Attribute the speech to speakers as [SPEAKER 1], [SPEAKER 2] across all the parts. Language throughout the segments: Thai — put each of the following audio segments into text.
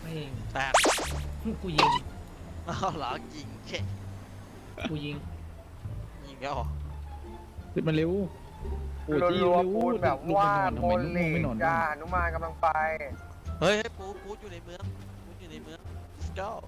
[SPEAKER 1] เอง
[SPEAKER 2] แตก
[SPEAKER 1] กูยิง
[SPEAKER 2] อ้าวเหรอยิงเช่
[SPEAKER 1] กูยิง
[SPEAKER 2] ยิงแล้วเหรอ
[SPEAKER 3] ขึ้นมาเร็วโอ้ยจี้
[SPEAKER 4] รัว
[SPEAKER 3] เร็ว
[SPEAKER 4] ๆปูนแบบ
[SPEAKER 3] ลุก
[SPEAKER 4] ว่า
[SPEAKER 3] ไปนอนทำ
[SPEAKER 4] บ
[SPEAKER 3] ไม
[SPEAKER 4] น
[SPEAKER 3] ลุก
[SPEAKER 4] หลี
[SPEAKER 3] ไม่นอน
[SPEAKER 4] จ้า
[SPEAKER 3] บ้าง
[SPEAKER 4] หนุมานกำลังไป
[SPEAKER 2] เฮ้ยปูอยู่ในเมืองปูอยู่ในเมืองเจ้า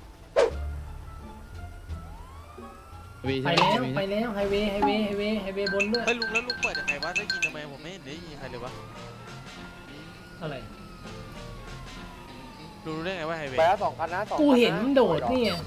[SPEAKER 3] วี
[SPEAKER 1] ไป
[SPEAKER 3] ใช่หม
[SPEAKER 1] แล้วไปแล้วไฮเวย์บนด้วย
[SPEAKER 2] เฮ้ยลุงแล้วลุงเปิดยังไงวะได้ยินทำไมผมไม่เห็นได้ยินใครเลยวะ
[SPEAKER 1] อะไร
[SPEAKER 2] ลุงรู้ได้ไงว่าไฮเว
[SPEAKER 4] ไป
[SPEAKER 2] ย์
[SPEAKER 4] แล้ว2 คันนะ2
[SPEAKER 1] กูเห็นโดดนี่ไง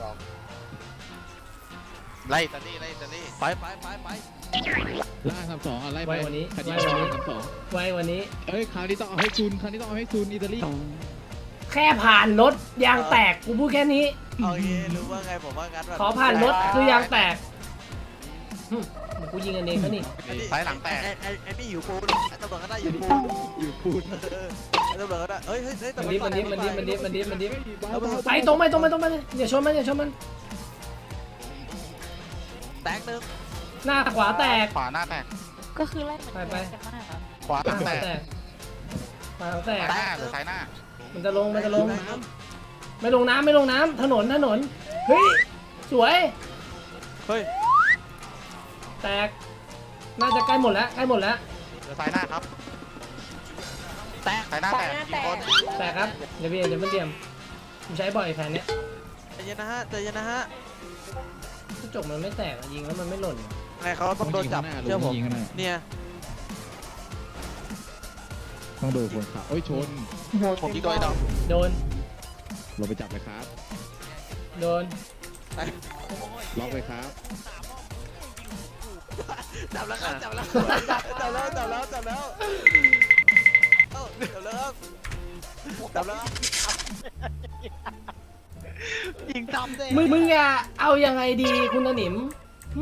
[SPEAKER 2] ไล่ตาลี่ไล่ตาลี่ไป
[SPEAKER 3] ล่าทำสองอะไรไป
[SPEAKER 1] ไว้วันนี้
[SPEAKER 3] คดี
[SPEAKER 1] ไว้วันนี้
[SPEAKER 3] ทำสอง
[SPEAKER 1] ไว้วันนี้
[SPEAKER 3] เอ้ยคราวนี้ต้องเอาให้ซูนคราวนี้ต้องเอาให้ซูนอิตาลี
[SPEAKER 1] แค่ผ่านรถยางแตกกูพูดแค่นี้
[SPEAKER 2] โอเครู้ว่าไงผมว่างั้นแบบ
[SPEAKER 1] ขอผ่านรถคือยางแตกกูยิงกันเองเขานี่
[SPEAKER 2] สายหลังแตกไอ้นี่หิวปูนไอ้ตำรวจก็ได้หิวปูน
[SPEAKER 3] อยู่พูด
[SPEAKER 2] ไอ้ตำรวจก็ได้เฮ้ยตำรวจ
[SPEAKER 1] มันดิไปตรงไปอย่าชนมัน
[SPEAKER 2] แตกหนึ่ง
[SPEAKER 1] หน้าขวาแตก
[SPEAKER 2] ขวาหน้าแตก
[SPEAKER 5] ก็คือไล่เหมือน
[SPEAKER 1] ไป
[SPEAKER 5] กันมากอะ
[SPEAKER 2] ขวา
[SPEAKER 1] หน้าขวาแตกขวาแตก
[SPEAKER 2] หรือซ้ายหน้า
[SPEAKER 1] มันจะลงไม่ลงน้ำถนนเฮ้ยสวย
[SPEAKER 2] เฮ้ย
[SPEAKER 1] แตกน่าจะใกล้หมดแล้ว
[SPEAKER 2] หรือซ้ายหน้าครับแตกซ้ายหน้าแตกกี่คน
[SPEAKER 1] แตกครับเดี๋ยวมันเตรียมผมใช้บ่อยแผนเนี้ย
[SPEAKER 2] ใจเย็นนะฮะ
[SPEAKER 1] กระจกมันไม่แตกยิงแล้วมันไม่หล่น
[SPEAKER 2] ไงเขาต้องโดนจับเชื่อผม
[SPEAKER 3] ยิงข้างหน้า
[SPEAKER 2] เนี่ย
[SPEAKER 3] ต้องโดนคนขับโอ้ยชน
[SPEAKER 2] ผมยิงตัวไอ้ดอก
[SPEAKER 1] โดน
[SPEAKER 3] เราไปจับเลยครับ
[SPEAKER 1] โดน
[SPEAKER 3] ล็อกไปครับ
[SPEAKER 2] จับแล้วครับจับแล้วยิงซ้ำเลย
[SPEAKER 1] มึงอย่าเอายังไงดีคุณหนิมหึ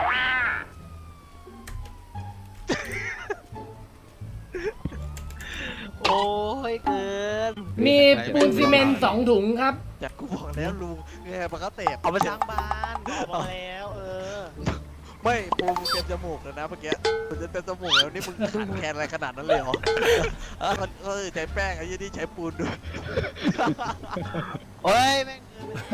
[SPEAKER 2] โอ้ยเกิน
[SPEAKER 1] มีปูนซีเมนต์2 ถุงครับ
[SPEAKER 2] จากกูบอกแล้วลุงไงมันก็เตะเอาไปสร้างบ้านบอกมาแล้วไม่ปูมึงเต็มจมูกเลยนะเมื่อกี้มันจะเต็มจมูกแล้วนี่มึงขาดแคลนอะไรขนาดนั้นเลยเหรอมันใช้แป้งไอ้ยี่นี่ใช้ปูนด้วยโอ้ยแม่ง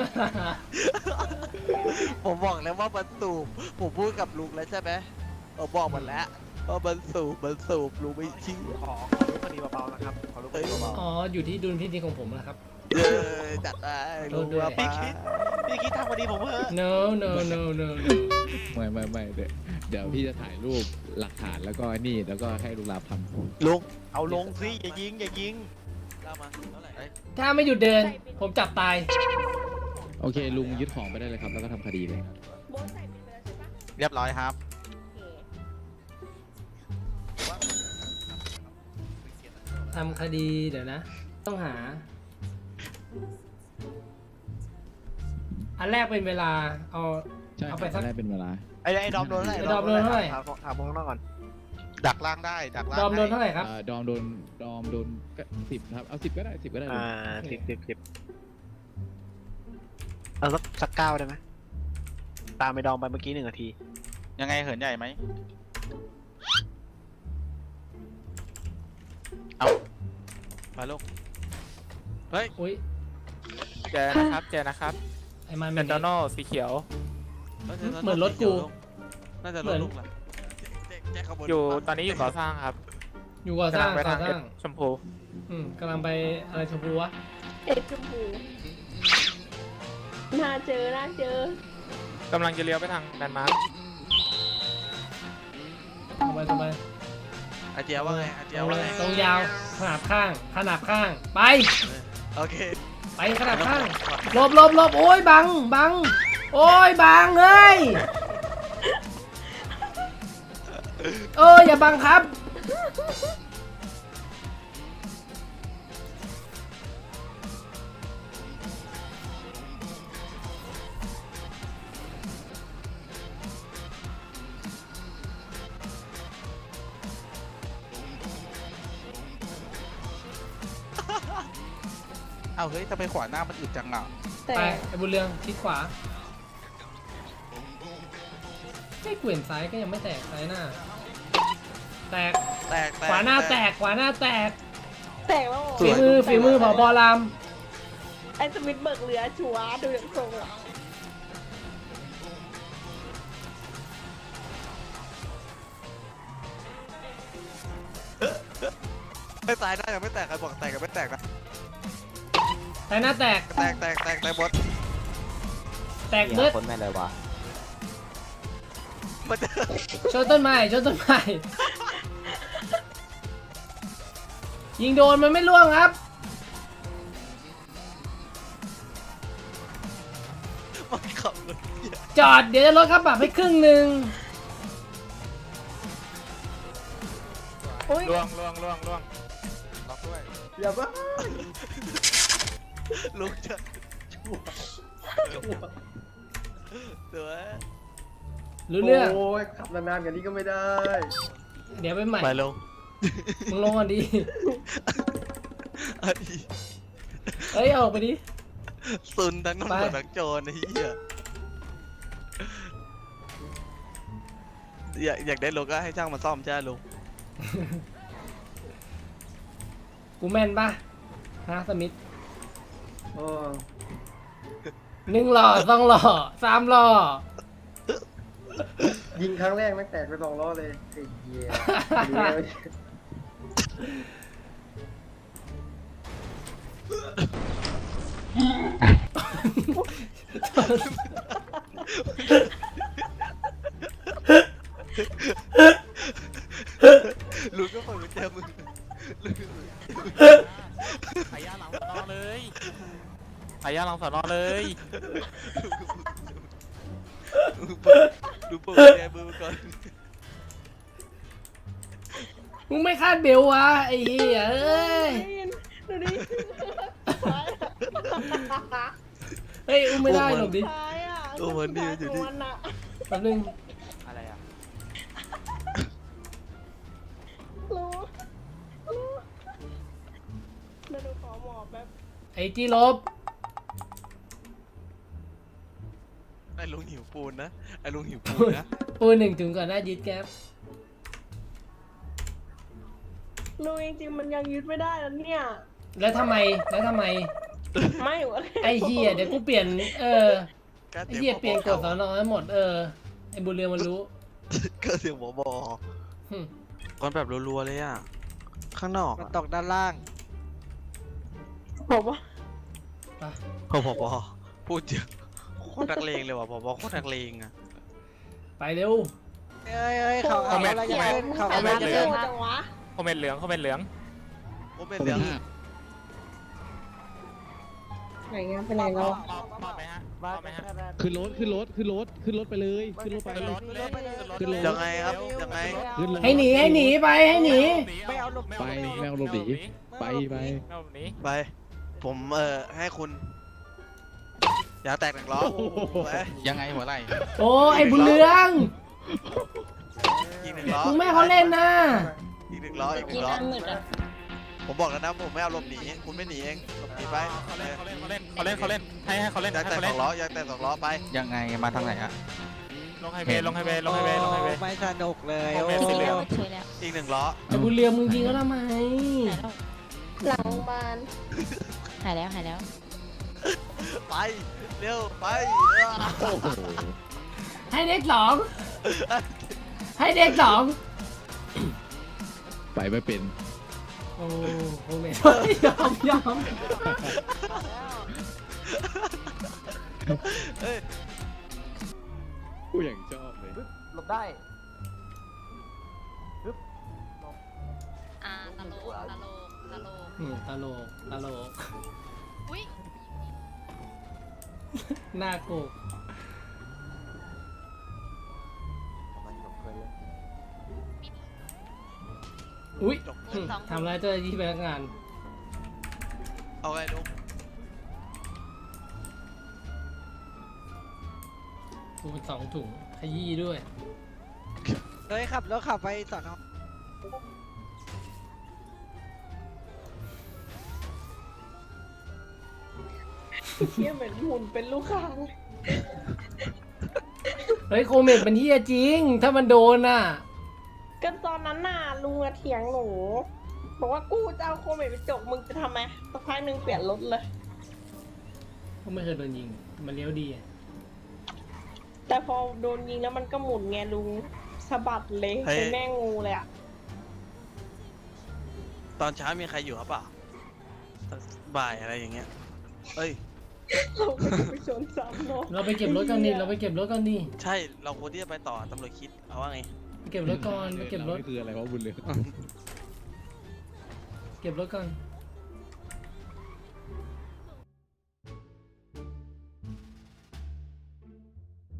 [SPEAKER 2] ผมบอกแล้วว่ามันสูบผมพูดกับลุงแล้วใช่ไหมบอกมันแล้วว่ามันสูบลุงไม่ชี้ขอลูกคดีเบาๆนะครับขอลูกคดีเบา
[SPEAKER 1] อ๋ออยู่ที่ดุลพินิจของผมนะครับ
[SPEAKER 2] ๆจัดได้ลุงว่าป้าพี่คิดทำคดีผมเถอะ
[SPEAKER 1] no
[SPEAKER 3] ไม่เดี๋ยวพี่จะถ่ายรูปหลักฐานแล้วก็นี่แล้วก็ให้ลุงลาทำ
[SPEAKER 2] ลุงเอาลงสิอย่ายิงเล่ามาเท่าไหร่
[SPEAKER 1] ถ้าไม่หยุดเดิน ผมจับตาย
[SPEAKER 3] โอเคลุงยึดของไปได้เลยครับแล้วก็ทำคดีเลย
[SPEAKER 5] โบสใส่ไปเลยใช่ปะ
[SPEAKER 2] เรียบร้อยครับ
[SPEAKER 1] ทำคดีเดี๋ยวนะ ต้องหา อันแรกเป็นเวลาเอา
[SPEAKER 3] ใช่ค
[SPEAKER 1] เอา
[SPEAKER 3] รับ
[SPEAKER 1] ไปสัก
[SPEAKER 3] ได้เป็นเวลา
[SPEAKER 2] ไอ้ดอมโดนเท่าไหร่
[SPEAKER 1] ไอ้ดอมโดนเท่าไหร่
[SPEAKER 4] ถามพวกน้องก่อน
[SPEAKER 2] ดักล่างได้ดักล่าง
[SPEAKER 1] ดอมโดนเท่าไหร่ครับ
[SPEAKER 3] ดอมโดนก็10ครับเอา10ก็ได้10ก็ได้ลุง
[SPEAKER 4] 10เอาสัก9ได้ไหมตามไปดองไปเมื่อกี้1 นาที
[SPEAKER 2] ยังไงเหินใหญ่ไหมเอาไปลูกเฮ้ย
[SPEAKER 1] อุ้ย
[SPEAKER 6] เจอนะครับ
[SPEAKER 1] ไอ้มัน
[SPEAKER 6] เมนโดโนสีเขียว
[SPEAKER 1] เหมือนรถกู
[SPEAKER 2] น่าจะรถลุงแหละแจ็คขบวน
[SPEAKER 6] อยู่ตอนนี้อยู่ก่อสร้างครับ
[SPEAKER 1] อยู่ก่อสร้าง
[SPEAKER 6] กำลัไป
[SPEAKER 1] ก่อ
[SPEAKER 6] ทาง
[SPEAKER 1] สร้าง
[SPEAKER 6] ชมพู
[SPEAKER 1] กำลังไปอะไรชมพูวะ
[SPEAKER 5] เอ็ดชมพูน่าเจอ
[SPEAKER 6] กำลังจะเลี้ยวไปทางแลนด์มาร์ค
[SPEAKER 1] สบาย
[SPEAKER 2] อาเจียว่าไงอาเจียว่าไง
[SPEAKER 1] ตรงยาวขนาบข้างไป
[SPEAKER 2] โอเค
[SPEAKER 1] ไปขนาบข้างหลบโอ้ยบังโอ้ยบังเฮ้ยอย่าบังครับ
[SPEAKER 2] เอาเฮ้ยทำไมขวาหน้ามันอึดจังอ่ะ
[SPEAKER 5] แต่
[SPEAKER 1] ไปไอ้บุญเรืองทิศขวาไม่เกวียนซ้ายก็ยังไม่แตกซ้ายหน้า แตกขวาหน้าแตก
[SPEAKER 5] แต่ว่า
[SPEAKER 1] ฝีมือผบ.ราม
[SPEAKER 5] ไอ้สมิธเบิกเรือชัวร์ดูอย่างทรงอ่ะ
[SPEAKER 2] ไม่ตายได้ยังไม่แตกใครบอกแตกกันไม่แตกนะ
[SPEAKER 1] แต่หน้าแตก
[SPEAKER 2] แตกหมด
[SPEAKER 1] แตกเบิด
[SPEAKER 7] คนแม่เลยวะ
[SPEAKER 2] มันจะ
[SPEAKER 1] ชนต้นไม้ชนต้นไม้ยิงโดนมันไม่ล่วงครับ
[SPEAKER 2] มันขับรถ
[SPEAKER 1] จอดเดี๋ยวจะลดค่าปรับให้ครึ่งหนึ่ง
[SPEAKER 5] อุ้ย
[SPEAKER 6] ล่วง
[SPEAKER 2] ล็อกด้วย
[SPEAKER 1] อย่าบ้า
[SPEAKER 2] ลุกจะสวย
[SPEAKER 1] รู้เรื่อง
[SPEAKER 8] โอ้ยขับนานๆกันนี้ก็ไม่ได้
[SPEAKER 1] เดี๋ยวไปใหม่
[SPEAKER 2] ไปลง
[SPEAKER 1] มึงลงก่อนดิ
[SPEAKER 2] อันนี้
[SPEAKER 1] เอ้ยออกไปดิ
[SPEAKER 2] ซุนทั้งตำรวจ
[SPEAKER 1] ไป
[SPEAKER 2] ทั้งโจรไอ้เหี้ยอยากได้รถก็ให้ช่างมาซ่อมใช่ไหมลุง
[SPEAKER 1] กูแม่นปะฮะสมิธ
[SPEAKER 8] โอ้
[SPEAKER 1] 1 หล่อ 2 หล่อ 3 หล่อ
[SPEAKER 8] ยิงครั้งแรกแม่งแตกไป2 ล้อเลยไอ้เหี้ยดูแล้ว
[SPEAKER 2] ลุงก็เปิดกุญแจมือลุง
[SPEAKER 6] พายาหลังสอนอเลยพายาหลังสอนอเลย
[SPEAKER 2] ดูเปิดกุญแจมือมาก่อน
[SPEAKER 1] มึงไม่คาดเบลวะไอ้เหี้ยเอ้ย
[SPEAKER 5] ดูดิ
[SPEAKER 1] เฮ้ยอุ้มไม่ได้หลบดิ
[SPEAKER 5] ท้ายอ่ะ
[SPEAKER 2] โอ้มันนี่อยู่ที่
[SPEAKER 5] มันอ่ะ
[SPEAKER 1] แป๊บนึง
[SPEAKER 6] อะไรอ่ะ
[SPEAKER 5] รู้เดี๋ยวดูขอหมอบแบบ
[SPEAKER 1] ไอ้ที่ลบ
[SPEAKER 2] ไอ้ลุงหิวปูนนะไอ้ลุงหิวปูนนะ
[SPEAKER 1] ปู1ถึงก่อนหน้ายึดแก๊ป
[SPEAKER 5] รู้จริงๆมันยังยึดไม่ได้แล้วเนี่ย
[SPEAKER 1] แล้วทำไม
[SPEAKER 5] ไม่วะ
[SPEAKER 1] ไอ้เหี้ยเดี๋ยวกูเปลี่ยน
[SPEAKER 2] ก็
[SPEAKER 1] ไอ้เหี้ยเปลี่ยนกฎสอนอให้หมด ไอ้บุญเรืองมันรู้
[SPEAKER 2] ก็เสียงหมอบอ
[SPEAKER 1] หึ
[SPEAKER 2] ก้อนแบบรัวๆเลยอ่ะ ข้างนอก
[SPEAKER 4] มันตกด้านล่าง
[SPEAKER 5] ผมว่า
[SPEAKER 1] ไป
[SPEAKER 2] พอบอพูดเยอะโคตรนักเลงเลยว่ะพอบอโคตรนักเลงอ่ะ
[SPEAKER 1] ไปเร็ว
[SPEAKER 4] เอ้ยเขาเอาอะไรจะเล่นเขา
[SPEAKER 5] เอา
[SPEAKER 4] เอาอะไร
[SPEAKER 5] มา
[SPEAKER 4] จะ
[SPEAKER 5] เร็
[SPEAKER 4] เล่
[SPEAKER 5] วน จังวะ
[SPEAKER 6] คอมเมนต์เหลืองคอมเมนต์เหลือง
[SPEAKER 2] ผมเป็นเรื่อง
[SPEAKER 5] ไหนเงี้ยเป็นไรแล้ว
[SPEAKER 6] มอบไหมฮะมอบไหมฮะ
[SPEAKER 3] ขึ้นรถไปเลยขึ้นรถ ขึ้นรถ
[SPEAKER 2] ยังไงครับยังไง
[SPEAKER 3] ขึ้นรถ
[SPEAKER 1] ให้หนีไปให้หนี
[SPEAKER 6] ไม่เอาหลบ
[SPEAKER 3] ไปไม่เอาหลบหนีไป
[SPEAKER 6] ไม่เอาหลบหนี
[SPEAKER 2] ไป ผมให้คุณ อย่าแตกหนึ่งล้อไป
[SPEAKER 7] ยังไงหัวไหล่
[SPEAKER 1] โอ้ไอ้บุญเรือง
[SPEAKER 2] อีกหนึ่งล้อ
[SPEAKER 1] มึงแม่เขาเล่นนะ
[SPEAKER 2] อีกหนึ่งล้ออีกหนึ่งล้อผมบอกแล้วนะผมไม่เอาหลบหนีคุณไม่หนีเองหลบหนีไป
[SPEAKER 6] เขาเล่นให้เขาเล่น
[SPEAKER 2] อยากแตก
[SPEAKER 6] ให้เขา
[SPEAKER 2] ส
[SPEAKER 6] เล่
[SPEAKER 2] อน งล้ออยากแตกสองล้อไป
[SPEAKER 7] ยังไงมาทางไหนอะ
[SPEAKER 6] ลงไฮเวย์ลงไฮเวย์ลงไฮเวย์ลงไฮเวย์
[SPEAKER 4] ไม่สนุกเลย
[SPEAKER 6] โอ้
[SPEAKER 4] โอ้
[SPEAKER 6] โห
[SPEAKER 4] โห
[SPEAKER 2] อีกหนึ่งล้อ
[SPEAKER 1] ไอ้บุญเรืองมึงยิงเขาทำไม
[SPEAKER 5] หลังโรงพยาบาล
[SPEAKER 9] หายแล้วหายแล้ว
[SPEAKER 2] ไปเร็วไป
[SPEAKER 3] โอ้โห
[SPEAKER 1] ให้เด็กสองให้เด็กสอง
[SPEAKER 3] ไปไม่เป็น
[SPEAKER 1] โอ้โหไม่ยอม
[SPEAKER 2] เฮ้ย
[SPEAKER 3] กูอย่างชอบเลย
[SPEAKER 8] หลบได้
[SPEAKER 9] ตลกตลกตลก
[SPEAKER 1] ตลก
[SPEAKER 9] อุ้ย
[SPEAKER 1] หน้าโกกอุ้ยทำร้ายเจ้าหน้าที่พนักงาน
[SPEAKER 2] เอาไงลุง
[SPEAKER 1] กูเป็น2 ถุงขยี้ด้วย
[SPEAKER 4] เฮ้ยขับรถขับไปสอนอ
[SPEAKER 5] เที่ยเหมือนหุ่นเป็นลูกค้าง
[SPEAKER 1] เฮ้ยโคเมดมันเฮียจริง ถ้ามันโดนน่ะ
[SPEAKER 5] ก็ตอนนั้นน่ะลุงอะเถียงหนูบอกว่ากูจะเอาโควิดไปจกมึงจะทำไมสักพักหนึ่งเปลี่ยนรถเลย
[SPEAKER 1] ก็ไม่เคยโดนยิง มันเลี้ยวดีอะ
[SPEAKER 5] แต่พอโดนยิงแล้วมันก็หมุนไงลุงสะบัดเลยเป็นแม่งูเลยอะ
[SPEAKER 2] ตอนเช้ามีใครอยู่หรือเปล่าบ่ายอะไรอย่างเงี้ยเอ้ย
[SPEAKER 5] เราก็จะไปชนซ้ำเนาะ
[SPEAKER 1] เราไปเก็บรถกันนี่เราไปเก็บรถกันนี่
[SPEAKER 2] ใช่เราควรที่จะไปต่อตำรวจคิดเอาว่าไง
[SPEAKER 1] ไปเก็บรถก่อนไปเก็บรถ
[SPEAKER 3] คืออะไรวะบุญเหลือง
[SPEAKER 1] เก็บรถก่อน